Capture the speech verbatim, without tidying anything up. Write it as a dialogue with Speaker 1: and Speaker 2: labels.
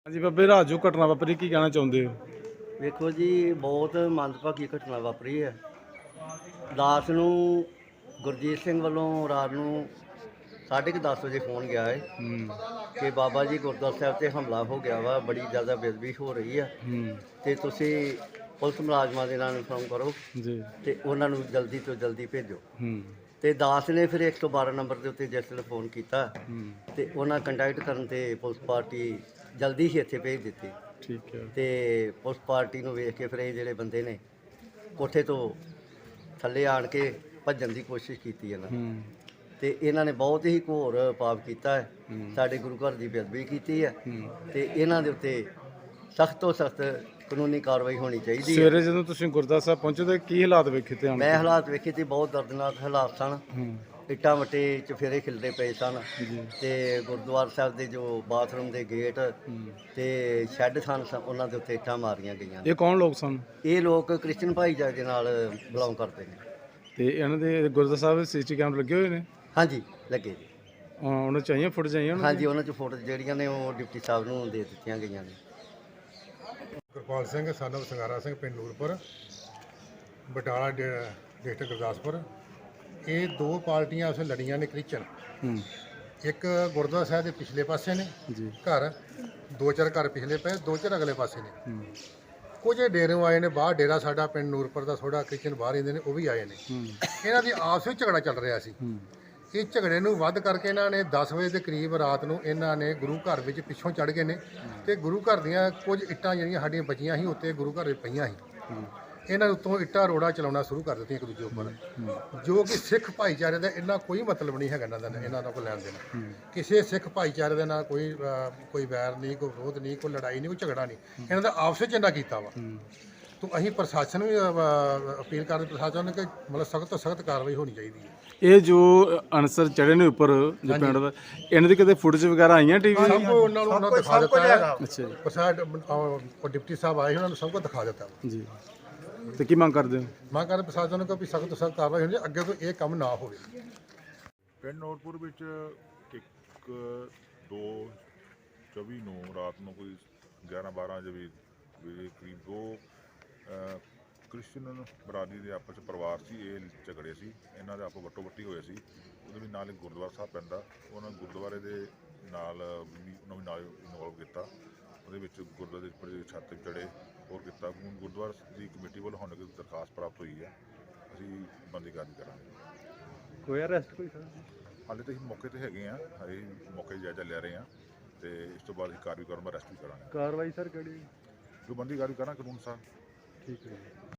Speaker 1: ਹਾਂਜੀ ਬਾਬੇ, ਰਾਤ ਜੋ ਘਟਨਾ ਵਾਪਰੀ ਕੀ ਕਹਿਣਾ ਚਾਹੁੰਦੇ ਹੋ?
Speaker 2: ਵੇਖੋ ਜੀ, ਬਹੁਤ ਮੰਦਭਾਗੀ ਘਟਨਾ ਵਾਪਰੀ ਹੈ। ਦਾਸ ਨੂੰ ਗੁਰਜੀਤ ਸਿੰਘ ਵੱਲੋਂ ਰਾਤ ਨੂੰ ਸਾਢੇ ਕੁ ਦਸ ਵਜੇ ਫੋਨ ਗਿਆ ਹੈ
Speaker 1: ਹੂੰ
Speaker 2: ਕਿ ਬਾਬਾ ਜੀ ਗੁਰਦੁਆਰਾ ਸਾਹਿਬ 'ਤੇ ਹਮਲਾ ਹੋ ਗਿਆ ਵਾ, ਬੜੀ ਜ਼ਿਆਦਾ ਬੇਅਦਬੀ ਹੋ ਰਹੀ ਹੈ
Speaker 1: ਹੂੰ
Speaker 2: ਤੇ ਤੁਸੀਂ ਪੁਲਿਸ ਮੁਲਾਜ਼ਮਾਂ ਦੇ ਨਾਲ ਇਨਫੋਰਮ ਕਰੋ
Speaker 1: ਜੀ
Speaker 2: ਤੇ ਉਹਨਾਂ ਨੂੰ ਜਲਦੀ ਤੋਂ ਜਲਦੀ ਭੇਜੋ।
Speaker 1: ਹੂੰ
Speaker 2: ਤੇ ਦਾਸ ਨੇ ਫਿਰ ਇੱਕ ਸੌ ਬਾਰਾਂ ਨੰਬਰ ਦੇ ਉੱਤੇ ਜਿਸ ਵੇਲੇ ਫੋਨ ਕੀਤਾ
Speaker 1: ਹੂੰ
Speaker 2: ਤੇ ਉਹਨਾਂ ਕੰਟੈਕਟ ਕਰਨ ਤੇ ਪੁਲਿਸ ਪਾਰਟੀ ਜਲਦੀ ਹੀ ਇੱਥੇ ਭੇਜ ਦਿੱਤੀ
Speaker 1: ਠੀਕ ਹੈ।
Speaker 2: ਤੇ ਪੁਲਿਸ ਪਾਰਟੀ ਨੂੰ ਵੇਖ ਕੇ ਫਿਰ ਇਹ ਜਿਹੜੇ ਬੰਦੇ ਨੇ ਕੋਠੇ ਤੋਂ ਥੱਲੇ ਆਣ ਕੇ ਭੱਜਣ ਦੀ ਕੋਸ਼ਿਸ਼ ਕੀਤੀ ਇਹਨਾਂ
Speaker 1: ਹੂੰ
Speaker 2: ਤੇ ਇਹਨਾਂ ਨੇ ਬਹੁਤ ਹੀ ਘੋਰ ਪਾਪ ਕੀਤਾ ਹੈ,
Speaker 1: ਹੂੰ।
Speaker 2: ਸਾਡੇ ਗੁਰੂ ਘਰ ਦੀ ਬੇਅਦਬੀ ਕੀਤੀ ਹੈ
Speaker 1: ਹੂੰ।
Speaker 2: ਤੇ ਇਹਨਾਂ ਦੇ ਉੱਤੇ ਸਖਤ ਤੋਂ ਸਖਤ ਕਾਨੂੰਨੀ ਕਾਰਵਾਈ ਹੋਣੀ ਚਾਹੀਦੀ ਹੈ।
Speaker 1: ਸਵੇਰੇ ਜਦੋਂ ਤੁਸੀਂ ਗੁਰਦੁਆਰਾ ਸਾਹਿਬ ਪਹੁੰਚੇ ਤਾਂ ਕੀ ਹਾਲਾਤ ਵੇਖੇ ਤੇ ਆਣ
Speaker 2: ਮੈਂ
Speaker 1: ਕੇ?
Speaker 2: ਹਾਲਾਤ ਵੇਖੇ ਤੇ ਬਹੁਤ ਦਰਦਨਾਕ ਹਾਲਾਤ ਸਨ।
Speaker 1: ਹੂੰ
Speaker 2: ਇੱਟਾਂ ਵੱਟੇ ਚਫੇਰੇ ਖਿਲਦੇ ਪਏ ਸਨ
Speaker 1: ਜੀ
Speaker 2: ਤੇ ਗੁਰਦੁਆਰਾ ਸਾਹਿਬ ਦੇ ਜੋ ਬਾਥਰੂਮ ਦੇ ਗੇਟ
Speaker 1: ਹੂੰ।
Speaker 2: ਤੇ ਸ਼ੈੱਡ ਸਨ, ਸ- ਉਹਨਾਂ ਦੇ ਉੱਤੇ ਇੱਟਾਂ ਮਾਰੀਆਂ ਗਈਆਂ ਨੇ।
Speaker 1: ਇਹ ਕੌਣ ਲੋਕ ਸਨ
Speaker 2: ਇਹ ਲੋਕ ਕ੍ਰਿਸਚਨ ਭਾਈਚਾਰੇ ਦੇ ਨਾਲ ਬਿਲੋਂਗ ਕਰਦੇ ਨੇ।
Speaker 1: ਤੇ ਇਹਨਾਂ ਦੇ ਗੁਰਦੁਆਰਾ ਸਾਹਿਬ ਸੀਸੀ ਕੈਮਰੇ ਲੱਗੇ ਹੋਏ ਨੇ?
Speaker 2: ਹਾਂਜੀ, ਲੱਗੇ ਜੀ।
Speaker 1: ਹਾਂ, ਉਹਨਾਂ ਚਾਹੀਏ ਫੁੱਟ ਚਾਹੀਏ ਉਹਨਾਂ
Speaker 2: ਹਾਂਜੀ, ਉਹਨਾਂ 'ਚ ਫੋਟੋ ਜਿਹੜੀਆਂ ਨੇ ਉਹ ਡਿਪਟੀ ਸਾਹਿਬ ਨੂੰ ਦੇ ਦਿੱਤੀਆਂ ਗਈਆਂ ਨੇ।
Speaker 3: ਗੁਰਪਾਲ ਸਿੰਘ ਸਾਨਵ ਸੰਗਾਰਾ ਸਿੰਘ ਪਿੰਡ ਨੂਰਪੁਰ ਬਟਾਲਾ ਡ- ਡਿਸਟ੍ਰਿਕਟ ਗੁਰਦਾਸਪੁਰ। ਇਹ ਦੋ ਪਾਰਟੀਆਂ ਉਸ ਲੜੀਆਂ ਨੇ ਕ੍ਰਿਸਚਨ।
Speaker 1: ਹੂੰ
Speaker 3: ਇੱਕ ਗੁਰਦੁਆਰਾ ਸਾਹਿਬ ਦੇ ਪਿਛਲੇ ਪਾਸੇ ਨੇ
Speaker 1: ਜੀ
Speaker 3: ਘਰ, ਦੋ ਚਾਰ ਘਰ ਪਿਛਲੇ ਪਏ, ਦੋ ਚਾਰ ਅਗਲੇ ਪਾਸੇ ਨੇ।
Speaker 1: ਹੂੰ
Speaker 3: ਕੁਝ ਡੇਰਿਓਂ ਆਏ ਨੇ ਬਾਹਰ, ਡੇਰਾ ਸਾਡਾ ਪਿੰਡ ਨੂਰਪੁਰ ਦਾ ਥੋੜਾ ਕ੍ਰਿਸਚਨ ਬਾਹਰ ਰਹਿੰਦੇ ਨੇ, ਉਹ ਵੀ ਆਏ ਨੇ।
Speaker 1: ਹੂੰ
Speaker 3: ਇਹਨਾਂ ਦੀ ਆਪਸ ਵਿੱਚ ਝਗੜਾ ਚੱਲ ਰਿਹਾ ਸੀ।
Speaker 1: ਹੂੰ
Speaker 3: ਇਹ ਝਗੜੇ ਨੂੰ ਵੱਧ ਕਰਕੇ ਇਹਨਾਂ ਨੇ ਦਸ ਵਜੇ ਦੇ ਕਰੀਬ ਰਾਤ ਨੂੰ ਇਹਨਾਂ ਨੇ ਗੁਰੂ ਘਰ ਵਿੱਚ ਪਿੱਛੋਂ ਚੜ ਗਏ ਨੇ ਤੇ ਗੁਰੂ ਘਰ ਦੀਆਂ ਕੁਝ ਇੱਟਾਂ ਜਿਹੜੀਆਂ ਸਾਡੀਆਂ ਬਚੀਆਂ ਸੀ ਉੱਤੇ ਗੁਰੂ ਘਰ ਵਿੱਚ ਪਈਆਂ ਸੀ।
Speaker 1: ਹੂੰ
Speaker 3: ਇਹਨਾਂ ਦੇ ਉੱਤੋਂ ਇੱਟਾਂ ਰੋੜਾ ਚਲਾਉਣਾ ਸ਼ੁਰੂ ਕਰ ਦਿੱਤੀਆਂ ਇੱਕ ਦੂਜੇ ਉੱਪਰ, ਜੋ ਕਿ ਸਿੱਖ ਭਾਈਚਾਰੇ ਦਾ ਇੰਨਾ ਕੋਈ ਮਤਲਬ ਨਹੀਂ ਹੈਗਾ ਇਹਨਾਂ ਦਾ, ਇਹਨਾਂ ਦਾ ਕੋਈ ਲੈਣ ਦੇਣ। ਕਿਸੇ ਸਿੱਖ ਭਾਈਚਾਰੇ ਦੇ ਨਾਲ ਕੋਈ ਅਹ, ਕੋਈ ਵੈਰ ਨਹੀਂ, ਕੋਈ ਵਿਰੋਧ ਨਹੀਂ, ਕੋਈ ਲੜਾਈ ਨਹੀਂ, ਕੋਈ ਝਗੜਾ ਨਹੀਂ। ਇਹਨਾਂ ਦਾ ਆਪਸ ਵਿੱਚ ਇੰਨਾ ਕੀਤਾ ਵਾ। ਤੋਂ ਅਸੀਂ ਪ੍ਰਸ਼ਾਸਨ ਵੀ ਅਹ, ਅਪੀਲ ਕਰਦੇ ਪ੍ਰਸ਼ਾਸਨ ਨੂੰ ਕਿ ਮਤਲਬ ਸਖਤ ਤੋਂ ਸਖਤ ਕਾਰਵਾਈ ਹੋਣੀ ਚਾਹੀਦੀ ਹੈ।
Speaker 1: ਇਹ ਜੋ ਅਨਸਰ ਚੜੇ ਨੇ ਉੱਪਰ ਜੋ ਪਿੰਡ ਦਾ, ਇਹਨਾਂ ਦੀ ਕਿਤੇ ਫੁਟੇਜ ਵਗੈਰਾ ਆਈਆਂ ਟੀਵੀ
Speaker 3: ਸਭ ਕੁਝ ਉਹਨਾਂ ਨੂੰ ਉਹਨਾਂ ਨੂੰ ਦਿਖਾ ਦਿੱਤਾ ਹੈ।
Speaker 1: ਅੱਛਾ ਜੀ
Speaker 3: ਪ੍ਰਸ਼ਾਸਨ ਉਹ ਡਿਪਟੀ ਸਾਹਿਬ ਆਏ, ਉਹਨਾਂ ਨੂੰ ਸਭ ਕੁਝ ਦਿਖਾ ਦਿੱਤਾ ਵਾ।
Speaker 1: ਜੀ ਤੇ ਕੀ ਮੰਗ ਕਰਦੇ ਹੋ?
Speaker 3: ਮੈਂ ਕਹਿੰਦਾ ਪ੍ਰਸ਼ਾਸਨ ਨੂੰ ਕਿ ਵੀ ਸਖਤ ਤੋਂ ਸਖਤ ਕਾਰਵਾਈ ਹੋਣੀ ਚਾਹੀਦੀ, ਅੱਗੇ ਤੋਂ ਇਹ ਕੰਮ ਨਾ ਹੋਵੇ।
Speaker 4: ਪਿੰਡ ਨੂਰਪੁਰ ਵਿੱਚ ਇੱਕ ਦੋ ਚੌਵੀ ਨੂੰ ਰਾਤ ਨੂੰ ਕੋਈ ਗਿਆਰਾਂ ਬਾਰਾਂ ਵਜੇ ਵਜੇ ਕਰੀਬ ਦੋ ਅ, ਕ੍ਰਿਸਚਨ ਬਰਾਦਰੀ ਦੇ ਆਪਸ 'ਚ ਪਰਿਵਾਰ ਸੀ, ਇਹ ਝਗੜੇ ਸੀ, ਇਹਨਾਂ ਦੇ ਆਪੋ ਵੱਟੋ ਵੱਟੀ ਹੋਏ ਸੀ। ਉਹਦੇ ਵੀ ਨਾਲ ਇੱਕ ਗੁਰਦੁਆਰਾ ਸਾਹਿਬ ਪੈਂਦਾ, ਉਹਨਾਂ ਗੁਰਦੁਆਰੇ ਦੇ ਨਾਲ ਵੀ ਉਹਨਾਂ ਵੀ ਨਾਲ ਇਨਵੋਲਵ ਕੀਤਾ। ਉਹਦੇ ਵਿੱਚ ਗੁਰਦੁਆਰੇ ਦੇ ਉੱਪਰ ਛੱਤ ਚੜੇ ਹੋਰ ਕੀਤਾ। ਹੁਣ ਗੁਰਦੁਆਰਾ ਦੀ ਕਮੇਟੀ ਵੱਲੋਂ ਹੁਣ ਇੱਕ ਦਰਖਾਸਤ ਪ੍ਰਾਪਤ ਹੋਈ ਹੈ, ਅਸੀਂ ਬੰਦੀ ਕਾਰਵਾਈ ਕਰਾਂਗੇ।
Speaker 1: ਕੋਈ ਅਰੈਸਟ ਕੋਈ ਸਰ?
Speaker 4: ਹਾਲੇ ਤਾਂ ਅਸੀਂ ਮੌਕੇ ਤੇ ਹੈਗੇ ਆ, ਹਜੇ ਮੌਕੇ 'ਤੇ ਜਾਇਜ਼ਾ ਲੈ ਰਹੇ ਹਾਂ ਤੇ ਇਸ ਤੋਂ ਬਾਅਦ ਅਸੀਂ ਕਾਰਵਾਈ ਕਰਨ ਅਰੈਸਟ ਵੀ ਕਰਾਂਗੇ।
Speaker 1: ਕਾਰਵਾਈ ਸਰ ਕਿਹੜੀ?
Speaker 4: ਜੋ ਬੰਦੀ ਕਾਰਵਾਈ ਕਰਾਂਗੇ ਕਾਨੂੰਨ ਅਨੁਸਾਰ।
Speaker 1: ਠੀਕ ਹੈ ਜੀ।